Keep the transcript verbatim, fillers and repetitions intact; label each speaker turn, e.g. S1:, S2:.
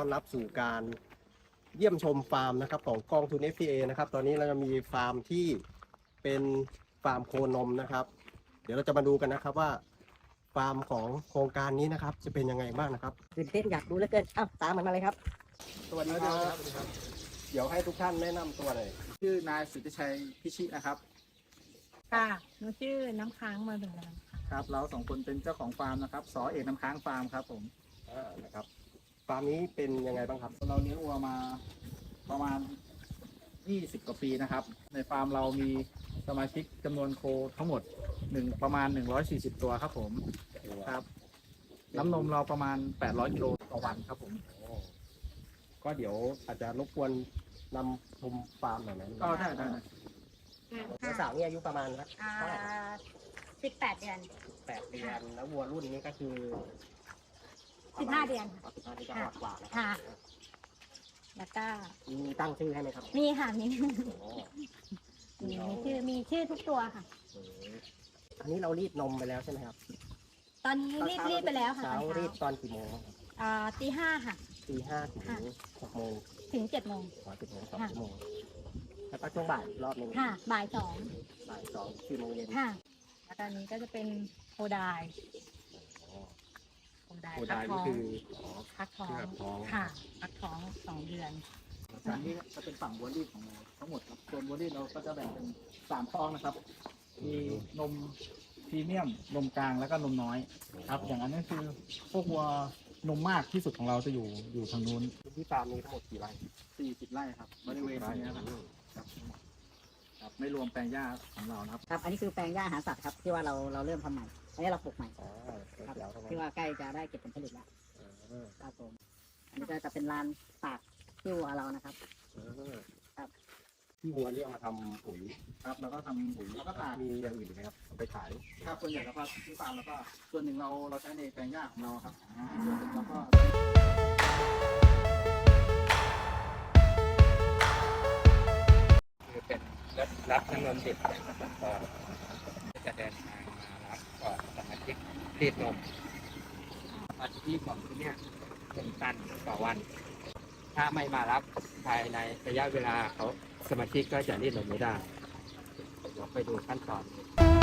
S1: อนรับสู่การเยี่ยมชมฟาร์มนะครับของกองทุน เอฟ พี เอ นะครับตอนนี้เราจะมีฟาร์มที่เป็นฟาร์มโคนมนะครับเดี๋ยวเราจะมาดูกันนะครับว่าฟาร์มของโครงการนี้นะครับจะเป็นยังไงบ้างนะครับ
S2: ตื่นเต้นอยากดูเหลือเกินอ้าวตามมันมาเลยครับ
S1: สวัสดีครับเดี๋ยวให้ทุกท่านแนะนำตัวหน่อย
S3: ชื่อนายสุทธิชัยพิชินะครับ
S4: ค่ะหนูชื่อน้ำค้างมาถึงแล้วค่ะ
S3: ครับเราสองคนเป็นเจ้าของฟาร์มนะครับสอเอกน้ำค้างฟาร์มครับผม
S1: อ่านะครับฟาร์มนี้เป็นยังไงบ้างครับ
S3: เราเลี้ยงวัวมาประมาณยี่สิบกว่าปีนะครับ ในฟาร์มเรามีสมาชิกจำนวนโคทั้งหมดหนึ่งประมาณหนึ่งร้อยสี่สิบตัวครับผมครับน้ำนมเราประมาณแปดร้อยกิโลต่อวันครับผม
S1: ก็เดี๋ยวอาจจะรบกวนนำชมฟาร์มหน่อยนะ
S3: ก็ได้ได้
S1: วัวสาวนี่อายุประมาณครับ
S4: อ่า
S1: เท่าไหร่ครับ
S4: สิบแปดเดือน
S1: แปดเดือนแล้ววัวรุ่นนี้ก็คือ
S4: สิบห้าเดือน
S1: สิบห้าเดือนก็ออกกว่าแล้ว
S4: ค่ะ แล้วก็
S1: มีตั้งชื่อให้ไหมครับ
S4: มีค่ะมี
S1: โอ้
S4: มีมีชื่อมีชื่อทุกตัวค่ะ
S1: โหอันนี้เรารีดนมไปแล้วใช่ไหมครับ
S4: ตอนนี้รีบรีบไปแล้วค่ะ
S1: เช้า
S4: ตอน
S1: รี
S4: เช้า
S1: ดตอนกี่โมงครับ
S4: อ่าตีห้าค่ะ
S1: ตีห้าถึง
S4: ค่ะ
S1: หกโมง
S4: ถึงเจ็ดโมง
S1: ขอสิบโมงสอง
S4: ค่ะ
S1: ชั่วโมงแล้วก็ช่วงบ่ายอีกรอบหนึง
S4: ค่ะ บ่ายสอง
S1: บ่ายสองสี่โมงเย็น
S4: ค่ะ แล้วตอนนี้ก็จะเป็นโคไดาย
S1: อ๋อ
S4: โคไดาย
S1: โค
S4: พั
S1: ดาก ย
S4: ท้
S1: นี่
S4: อง
S1: คืออ๋อ
S4: พักท้อง
S1: พักท้อง
S4: ค่ะ พักท้องสองเดือน
S3: ฝั่งนี้จะเป็นฝั่งวัวรีดของเราทั้งหมดครับส่วนวัวรีดเราก็จะแบ่งเป็นสามท้องนะครับ มีนมพรีเมียมนมกลางแล้วก็นมน้อยครับ อย่างนั้นก็คือพวกวัวนมมากที่สุดของเราจะอยู่อยู่ทางนู้น
S1: ที่ฟาร์มมีทั้งหมดกี่ไร่
S3: สี่สิบไร่ครับบริเวณนี้นะครับครับครับไม่รวมแปลงหญ้าของเรานะครับ
S2: ครับอันนี้คือแปลงหญ้าอาหารสัตว์ครับที่ว่าเราเราเริ่มทำใหม่อันนี้เราปลูกใหม่
S1: อ๋อ
S2: ครับ
S1: เดี๋ยวทำไม
S2: ที่ว่าใกล้จะได้เก็บผลผลิตแล้ว
S1: เออ
S2: ครับผมอันนี้ก็จะเป็นลานตากที่วัวเรานะครับ
S1: เออ
S2: ครับ
S1: ที่วัวนี่เอามาทำปุ๋ย
S3: ครับแล้วก็ทำปุ๋ยแล้วก็ตาก
S1: มีอย่างอื่นอีกไหมครับเอาไปขาย
S3: ครับส่วนใหญ่แล้วก็ที่ฟาร์มแล้วก็ส่วนหนึ่งเราเราใช้ในแปลงหญ้าของเราครับส่วนหนึ่งเราก็
S5: คือเป็นรถรับน้ำนมดิบนะครับก็จะเดินทางมารับก่อนสมาชิกรีดนมสมาชิกรีดของที่เนี่ยเป็นตันต่อวัน ถ้าไม่มารับภายในระยะเวลาเขาสมาชิกก็จะรีดนมไม่ได้เดี๋ยวไปดูขั้นตอน